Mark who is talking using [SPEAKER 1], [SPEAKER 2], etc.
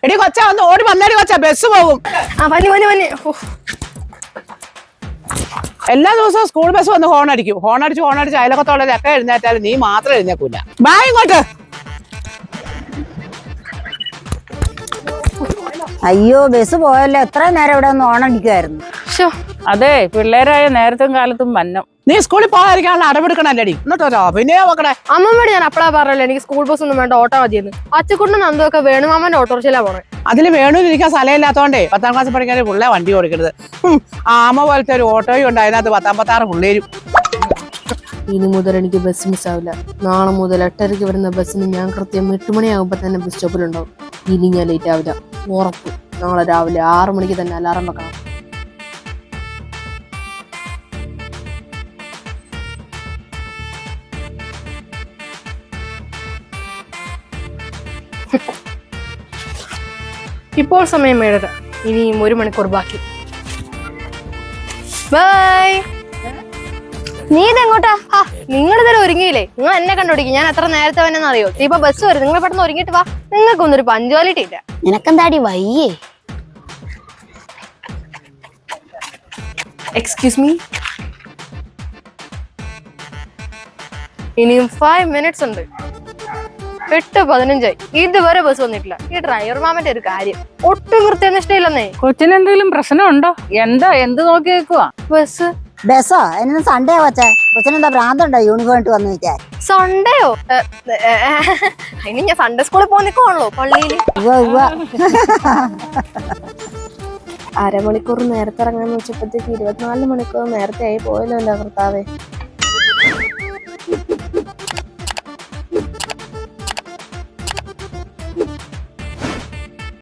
[SPEAKER 1] എടി കൊച്ചാ ഒന്ന് ഓടി വന്നേടി കൊച്ചാ, ബസ് പോകും. എല്ലാ ദിവസവും സ്കൂൾ ബസ് വന്ന് ഹോൺ അടിച്ച് അയലക്കത്തോളൊക്കെ എഴുന്നേറ്റാലും നീ മാത്രം എഴുന്നേക്കൂല. ബാ ഇങ്ങോട്ട്.
[SPEAKER 2] അയ്യോ ബസ് പോയല്ലോ, എത്ര നേരം ഇവിടെ ഒന്ന് ഓണടിക്കുമായിരുന്നു.
[SPEAKER 3] അതെ, പിള്ളേരായ നേരത്തും കാലത്തും മന്നം.
[SPEAKER 1] നീ സ്കൂളിൽ പോകാതിരിക്കാനുള്ള അടവെടുക്കണല്ലേടി. എന്നിട്ടോ പിന്നെ നോക്കണേ.
[SPEAKER 4] അമ്മമ്മയോട് ഞാൻ അപ്പളാ പറഞ്ഞല്ലോ എനിക്ക് സ്കൂൾ ബസ് ഒന്നും വേണ്ട, ഓട്ടോ മതിയെന്ന്. അച്ചുകുണ്ടും നന്ദൊക്കെ വേണുമാമന്റെ ഓട്ടോറിക്ഷയിലാ പോണേ.
[SPEAKER 1] അതിൽ വേണൂരിക്കാൻ സ്ഥലമില്ലാത്തോണ്ടേ 10ാം ക്ലാസ് പഠിക്കാൻ പിള്ളേ വണ്ടി ഓടിക്കരുത്. ആമ പോലത്തെ ഒരു ഓട്ടോയും ഉണ്ട്, അതിനകത്ത് 10-16 പിള്ളേരും.
[SPEAKER 4] ഇനി മുതൽ എനിക്ക് ബസ് മിസ്സാവില്ല. നാളെ മുതൽ 8:30 വരുന്ന ബസ്സിന് ഞാൻ കൃത്യം 8 മണിയാകുമ്പോ തന്നെ ബസ് സ്റ്റോപ്പിലുണ്ടാവും. ഇനി ഞാൻ ലേറ്റ് ആവില്ല, ഉറപ്പ്. നാളെ രാവിലെ 6 മണിക്ക് തന്നെ അലാറം വെക്കണം. ഇപ്പോൾ സമയം 7:30. ഇനിയും 1 മണിക്കൂർ ബാക്കി. ബൈ.
[SPEAKER 5] നീ ഇതെങ്ങോട്ടാ?
[SPEAKER 4] നിങ്ങളിതുവരെ ഒരുങ്ങിയില്ലേ? നിങ്ങൾ എന്നെ കണ്ടുപിടിക്കും. ഞാൻ എത്ര നേരത്തെ വന്നെന്ന് അറിയോ? ഇപ്പൊ ബസ് വരും, നിങ്ങൾ പെട്ടെന്ന് ഒരുങ്ങിട്ട് വാ. നിങ്ങൾക്കൊന്നൊരു പഞ്ച്വാലിറ്റി ഇല്ല.
[SPEAKER 5] നിനക്കെന്താടി വയ്യേ?
[SPEAKER 4] Excuse me. ഇനിയും 5 മിനിറ്റ്സ് ഉണ്ട്. 8:15 ഇതുവരെ ബസ് വന്നിട്ടില്ല. ഈ ഡ്രൈവർ മാമന്റെ ഒരു കാര്യം ഒട്ടും കൃത്യനിഷ്ഠയില്ലെന്നേ.
[SPEAKER 3] കൊച്ചിനെന്തെങ്കിലും പ്രശ്നമുണ്ടോ? എന്ത് നോക്കി വെക്കുവാ?
[SPEAKER 2] ബസ്സോ എന്നെ സൺഡേ കൊച്ചേ, കൊച്ചിനെന്താ ഭ്രാന്തുണ്ടോ യൂണിഫോം ഇട്ട് വന്നു വെച്ചാൽ?
[SPEAKER 4] സൺഡേയോ? അതിന് ഞാൻ സൺഡേ സ്കൂളിൽ പോന്നിക്കോണല്ലോ പള്ളിയില്. അരമണിക്കൂർ നേരത്തെ ഇറങ്ങാന്ന് വെച്ചപ്പോഴത്തേക്ക് 24 മണിക്കൂർ നേരത്തെ ആയി പോയല്ലോ. അല്ല കർത്താവേ.